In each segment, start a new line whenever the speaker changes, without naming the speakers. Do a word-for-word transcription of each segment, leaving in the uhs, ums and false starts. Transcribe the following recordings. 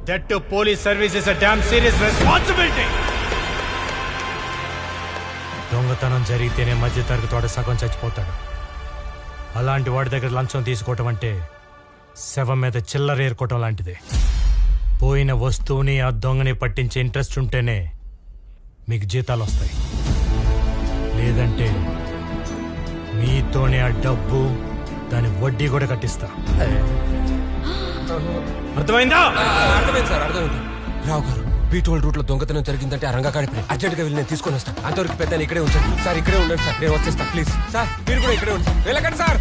That to police service is a damn serious responsibility. దొంగతనం జరిగితేనే మధ్య తరగతి వాడు సగం చచ్చిపోతాడు. అలాంటి వాడి దగ్గర లంచం తీసుకోవటం అంటే శవం మీద చిల్లర ఏరుకోవటం లాంటిదే. పోయిన వస్తువుని ఆ దొంగని పట్టించే ఇంట్రెస్ట్ ఉంటేనే మీకు జీతాలు వస్తాయి. లేదంటే మీతోనే ఆ డబ్బు దాని వడ్డీ కూడా కట్టిస్తా. అర్థమైందా?
అర్థమైంది సార్, అర్థమైంది. రావు గారు, బీటోల్ రూట్ లో దొంగతనం జరిగిందంటే ఆ రంగా కాడిపోయి అర్జెంట్ గా వెళ్ళి నేను తీసుకొని వస్తాను. అంతవరకు పెద్ద ఇక్కడే ఉంచండి సార్. ఇక్కడే ఉండండి సార్, నేను వచ్చేస్తా ప్లీజ్. సార్ మీరు కూడా ఇక్కడే ఉండండి. వెళ్ళకండి సార్.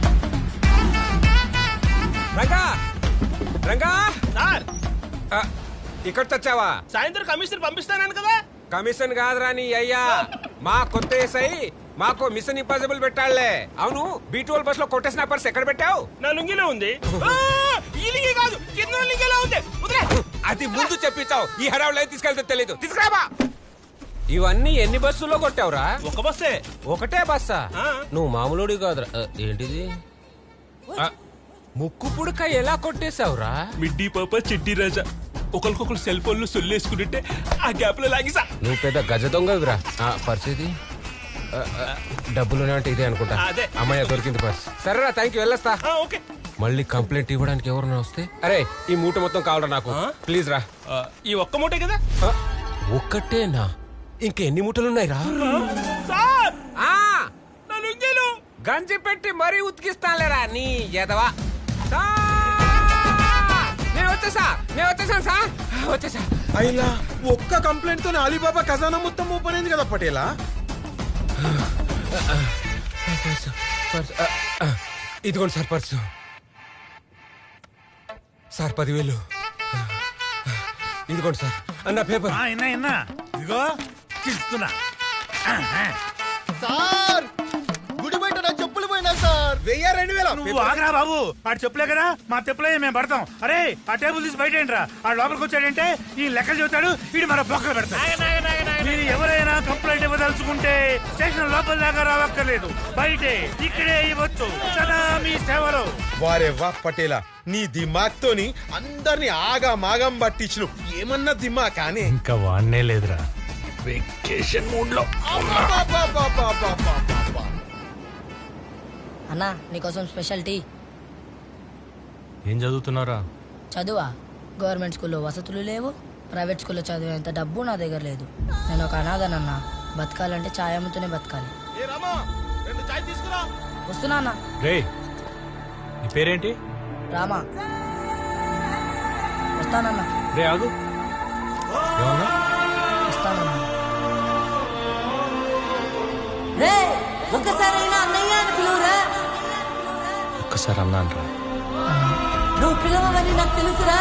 రంగా రంగా
సార్,
ఇక్కడ తెచ్చావా?
సాయంత్రం కమిషనర్ పంపిస్తానని కదా.
కమిషన్ కాదురా నీ అయ్యా, మా కొత్త ఎస్ఐ మాకు మిషన్ ఇంపాసిబుల్ పెట్టాళ్లే. అవును, బీటోల్ బస్ లో కొట్టేసిన పర్స్ ఎక్కడ పెట్టావు?
నా లుంగిలో ఉంది. ఈ లింగి కాదు, కింద లింగిలో ఉంది.
అది ముందు చెప్పించావు, ఈ హడావులో తీసుకెళ్తే తెలీదు. తీసుకురాబా. ఇవన్నీ ఎన్ని బస్సుల్లో కొట్టావురా?
ఒక బస్సే.
ఒకటే బస్సా? నువ్వు మామూలుడి కాదురా. ఏంటిది? ముక్కు పుడక ఎలా కొట్టేశావురా?
మిడ్డీ పాప చిట్టి రాజా ఒకరికొకరు సెల్ ఫోన్ లో సొల్లేసుకుంటే ఆ గ్యాప్ లో లాగిసా.
నువ్వు పెద్ద గజ దొంగవిరా. పరిస్థితి డబ్బులునే అంటే ఇదే అనుకుంటా. అమ్మాయి దొరికింది పర్స్. సరేరా, థ్యాంక్ యూ, వెళ్ళొస్తా.
ఓకే.
మళ్ళీ కంప్లైంట్ ఇవ్వడానికి ఎవరన్నా వస్తే, అరే ఈ మూట మొత్తం కావాలరా నాకు, ప్లీజ్ రా.
ఈ ఒక్క మూటే కదా?
ఒక్కటేనా? ఇంకెన్ని మూటలున్నాయి రా? గంజి పెట్టి మరీ ఉతికిస్తానులేరా నీ ఎదవా. నేను వచ్చేసా నేను వచ్చేసాను సార్, వచ్చేసా.
అయినా ఒక్క కంప్లైంట్ తో అలీబాబా ఖజానా మొత్తం ఓపెన్ అయింది కదా పటేలా.
ఇదిగోండి సార్ పర్సు. సార్ పదివేలు. ఇదిగోండి సార్ అన్న పేపర్.
ఇదిగో తీస్తున్నా.
సార్ గుడి బయట నా చెప్పులు పోయినా సార్. వెయ్యి రెండు వేల.
నువ్వు ఆగరా బాబు, ఆడు చెప్పులే కదా మా చెప్పులే మేము పడతాం. అరే ఆ టేబుల్ తీసి బయట ఏంట్రా. ఆ లోపలికి వచ్చాడంటే ఈ లెక్కలు చెబుతాడు, వీడు మన బొక్కలు పెడతాడు. మీరు ఎవరైనా కంప్లైంట్ ఇవ్వదలుచుకుంటే స్టేషన్ లోపల దాకా రావక్కర్లేదు, బయటే ఇక్కడే ఇవ్వచ్చు. సదా మీ సేవలో.
వారే వా పటేలా, నీ దిమాగ్ తోని అందరిని ఆగా మాగం పట్టించు. ఏమన్నా దిమా కానీ
ఇంకా వాడనే లేదురా, వెకేషన్ మూడ్ లో.
అన్నా నీకోసం స్పెషల్ టీ.
ఏం చదువుతున్నారా?
చదువా? గవర్నమెంట్ స్కూల్లో వసతులు లేవు, ప్రైవేట్ స్కూల్లో చదివేంత డబ్బు నా దగ్గర లేదు. నేను ఒక అనాథనన్నా, బతకాలంటే ఛాయ్ అమ్ముతూనే బతకాలి. వస్తున్నా అన్నా.
రే నీ పేరేంటి?
రామా. వస్తానన్నా.
రే ఆగు. ఏమన్నా?
వస్తానన్నా. రే ఒక్కసారైనా అన్నయ్య అని పిలువురా.
ఒక్కసారి అన్నా అంటారా?
నువ్వు పిలవమని నాకు తెలుసురా.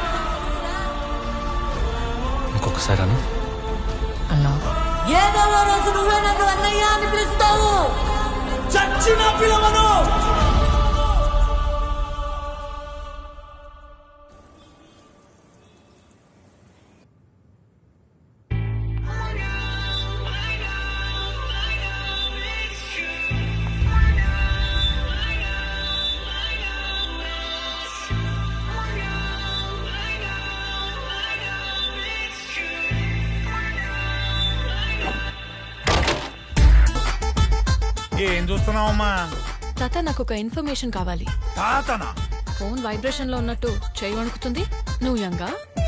ఇంకొకసారి అన్న.
అన్నా ఏదో రోజు నువ్వే నన్ను అన్నయ్య అని పిలుస్తావు. చచ్చిన పిలవను.
ఏం చూస్తున్నావమ్మా?
తాత, నాకు ఒక ఇన్ఫర్మేషన్ కావాలి.
తాతనా?
ఫోన్ వైబ్రేషన్ లో ఉన్నట్టు చేయి వణుకుతుంది. నువ్వు యంగా?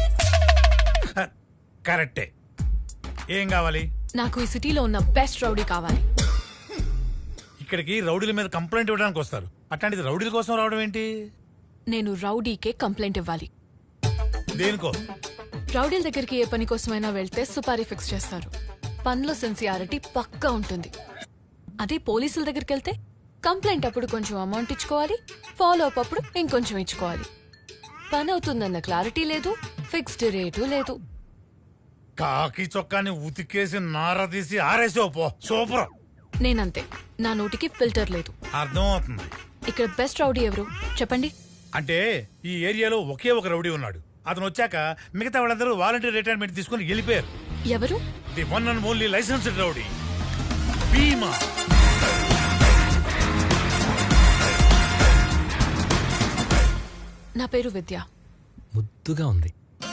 కరెక్టే. ఏం కావాలి?
నాకు ఈ సిటీలో ఉన్న బెస్ట్ రౌడీ కావాలి.
ఇక్కడికి రౌడీల మీద కంప్లైంట్ ఇవ్వడానికి వస్తారు, అట్లాంటిది రౌడీల కోసం రావడం ఏంటి?
నేను రౌడీకే కంప్లైంట్ ఇవ్వాలి.
దేనికో?
రౌడీల దగ్గరికి ఏ పని కోసమైనా వెళ్తే సుపారీ ఫిక్స్ చేస్తారు. పనిలో సిన్సియారిటీ పక్కా ఉంటుంది. అదే పోలీసుల దగ్గరికి వెళ్తే కంప్లైంట్ అప్పుడు కొంచెం అమౌంట్ ఇచ్చుకోవాలి, ఫాలో అప్ అప్పుడు ఇంకొంచెం ఇచ్చుకోవాలి. పని అవుతుందన్న క్లారిటీ లేదు, ఫిక్స్డ్ రేటు లేదు.
కాకి చొక్కాని ఉతికేసి నార తీసి ఆరేసావు పో. సూపర్.
నేనంతే, నా నోటికి ఫిల్టర్ లేదు.
అర్థం అవుతుంది.
ఇక్కడ బెస్ట్ రౌడీ ఎవరు చెప్పండి.
అంటే ఈ ఏరియాలో ఒకే ఒక రౌడీ ఉన్నాడు. అతను వచ్చాక మిగతా వాళ్ళందరూ వాలంటీర్ రిటైర్మెంట్ తీసుకుని వెళ్ళిపోయారు.
ఎవరు?
The one and only licensed rowdy Bheema.
నా పేరు విద్య.
ముద్దుగా ఉంది.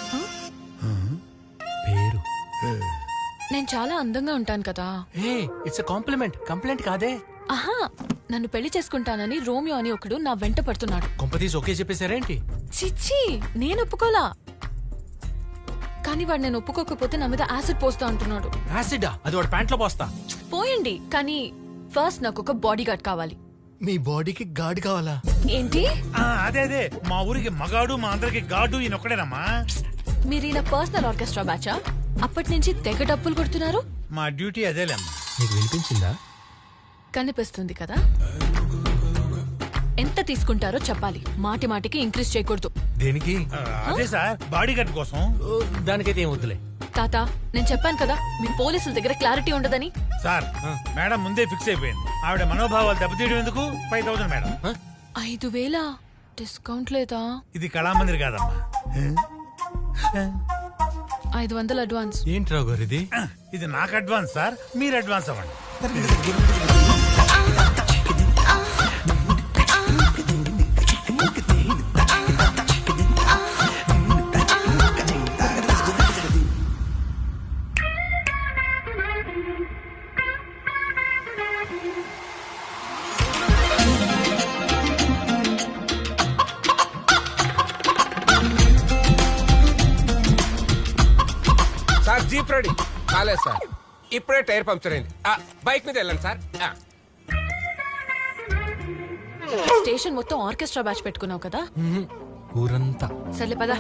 పేరు
నేను చాలా అందంగా ఉంటాను కదా.
ఏ ఇట్స్ కాంప్లిమెంట్ కంప్లైంట్ కాదే.
ఆహా, నన్ను పెళ్లి చేసుకుంటానని రోమియో అని ఒకడు నా వెంట పడుతున్నాడు.
కొంపతీసి ఓకే చెప్పేశారేంటి?
చిచ్చి, నేను ఒప్పుకోలా. కానీ వాడు నేను ఒప్పుకోకపోతే నా మీద యాసిడ్ పోస్తా అంటున్నాడు.
యాసిడా? అది వాడు ప్యాంట్లో పోస్తా.
పోయండి, కానీ ఫస్ట్ నాకు ఒక బాడీ గార్డ్ కావాలి.
మీ బాడీకి గాడి కావాలా?
ఏంటి?
ఆ, అదే అదే మా ఊరికి మగాడు మా అందరికి గాడు ఈయన ఒక్కడేనమ్మా.
మీరు ఈయన పర్సనల్ ఆర్కెస్ట్రా బ్యాచా? అప్పటి నుంచి తెగ డప్పులు కొడుతున్నారు.
మా డ్యూటీ అదేలేమ్మా.
నీకు వినిపించిందా?
కనిపిస్తుంది కదా. ఎంత తీసుకుంటారో చెప్పాలి, మాటి మాటికి ఇంక్రీజ్ చేయకూడదు.
దేనికి?
ఆ, అదే సార్ బాడీ గార్డ్ కోసం.
ఓ, దానికైతే ఏం వద్దులే.
తాత, నేను చెప్పాను కదా మీ పోలీసుల దగ్గర క్లారిటీ ఉండదని.
సార్ మేడం ముందే ఫిక్స్ అయిపోయింది. ఆవిడ మనోభావాలు దెబ్బతీయడం ఎందుకు? Five thousand madam.
ఐదు వేల డిస్కౌంట్ లేదా?
ఇది కళామందిర్ కాదమ్మా.
ఐదు వందలు అడ్వాన్స్.
ఏంటి రావు గారు ఇది?
ఇది నాకు అడ్వాన్స్ సార్, మీరు అడ్వాన్స్ అవ్వండి.
సార్ జీప్ రెడీ కాలేదు సార్, ఇప్పుడే టైర్ పంక్చర్ అయింది. ఆ, బైక్ మీద వెళ్ళండి సార్. ఆ.
స్టేషన్ మొత్తం ఆర్కెస్ట్రా బ్యాచ్ పెట్టుకున్నావు కదా.
ఊరంతా
సర్లే పదా.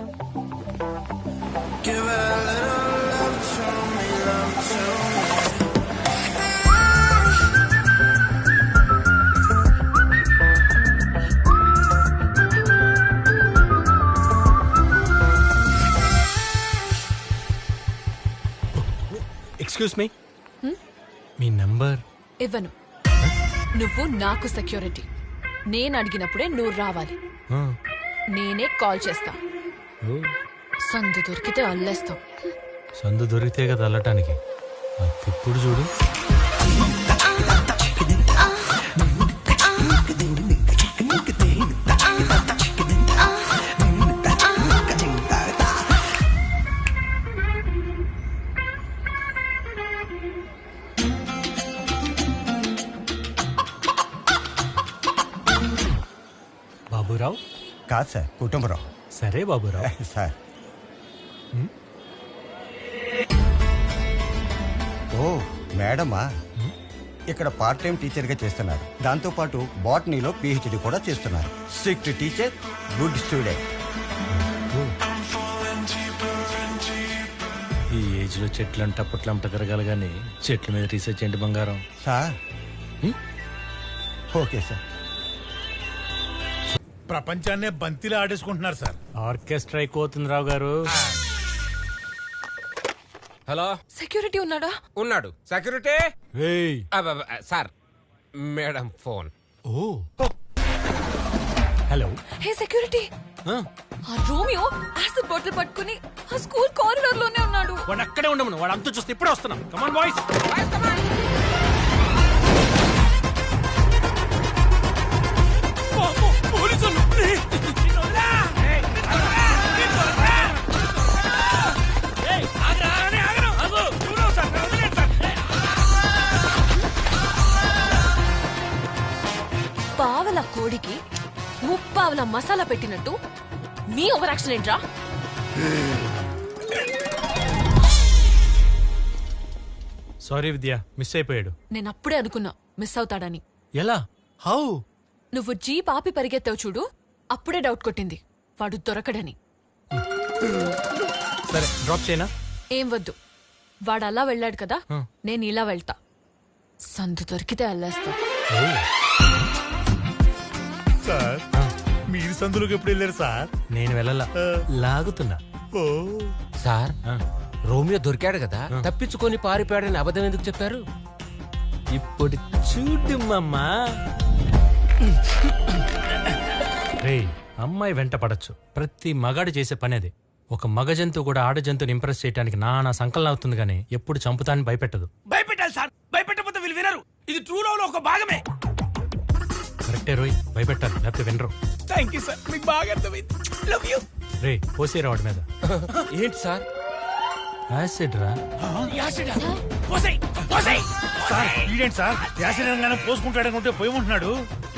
ఎక్స్క్యూజ్ మీ, మీ నంబర్
ఇవ్వను. నువ్వు నాకు సెక్యూరిటీ. నేను అడిగినప్పుడే నువ్వు రావాలి. నేనే కాల్ చేస్తా. సందు దొరికితే అల్లేస్తాం.
సందు దొరికితే కదా అల్లటానికి. ఇప్పుడు చూడు. బాబురావు?
కాదు సార్, కుటుంబరావు.
సరే బాబురావు.
సార్. ఓ మేడమా, ఇక్కడ పార్ట్ టైం టీచర్గా చేస్తున్నారు. దాంతోపాటు బాటనీలో పిహెచ్డి కూడా చేస్తున్నారు. Strict teacher, good student.
ఈ ఏజ్ లో చెట్లు అంట పుట్లంట తిరగాలి కానీ చెట్ల మీద రీసెర్చ్ ఏంటి బంగారం?
సార్. Okay sir.
ప్రపంచాన్నే బంతిలా ఆడేసుకుంటున్నారు సార్.
ఆర్కెస్ట్రా ఎక్కువవుతుంది రావు గారు.
హలో,
సెక్యూరిటీ ఉన్నాడా?
ఉన్నాడు. సెక్యూరిటీ.
ఏయ్.
అబ్బబ్బ, sir madam phone.
Oh hello.
Hey security, ఆ రోమియో యాసిడ్ బాటిల్ పట్టుకుని ఆ స్కూల్ కారిడార్ లోనే ఉన్నాడు.
వాడు అక్కడే ఉండమను. వాడు అంతా చూస్తే ఇప్పుడే వస్తున్నాం. Come on boys.
పావల కోడికి ముప్పావల మసాలా పెట్టినట్టు మీ ఓవర్ యాక్షన్ ఏంట్రా?
సారీ విద్య, మిస్ అయిపోయాడు.
నేను అప్పుడే అనుకున్నా మిస్ అవుతాడని.
ఎలా? హౌ?
నువ్వు జీప్ ఆపి పరిగెత్తావు చూడు, అప్పుడే డౌట్ కొట్టింది వాడు దొరకడని.
సరే డ్రాప్ చేయనా?
ఏం వద్దు, వాడు అలా వెళ్ళాడు కదా,
ఆ.
నేను ఇలా వెళ్తా. సందు దొరికితే అల్లేస్తా.
సార్ మీరు సందులోకి ఎప్పుడు వెళ్ళారు సార్?
నేను వెళ్ళలా, లాగుతున్నా.
ఓ
సార్
ఆ.
రోమియో దొరికాడు కదా, తప్పించుకొని పారిపోయాడని అబద్ధం ఎందుకు చెప్పారు?
ఇప్పుడు చూడు మమ్మా. రే, అమ్మాయి వెంట పడచ్చు, ప్రతి మగాడు చేసే పని అది. ఒక మగ జంతువు కూడా ఆడ జంతువుని ఇంప్రెస్ చేయడానికి నానా సంకలనం అవుతుంది కానీ ఎప్పుడు చంపుతాన్ని భయపెట్టదు.
భయపెట్టాలి సార్, భయపెట్టకపోతే వీళ్ళు వినరు. ఇది ట్రూ లవ్ లో ఒక భాగమే.
కరెక్టే రోయ్, భయపెట్టాలి లేకపోతే వినరు.
థ్యాంక్ యూ సార్, మీకు బాగా అర్థమైంది. Love you.
రే, పోసేరా వాడి మీద.
ఏంటి సార్?
యాసిడ్ రా
సార్ ఈడేంటి సార్ యాసిడ్ పోసుకుంటాడనుకుంటే పోయమంటున్నాడు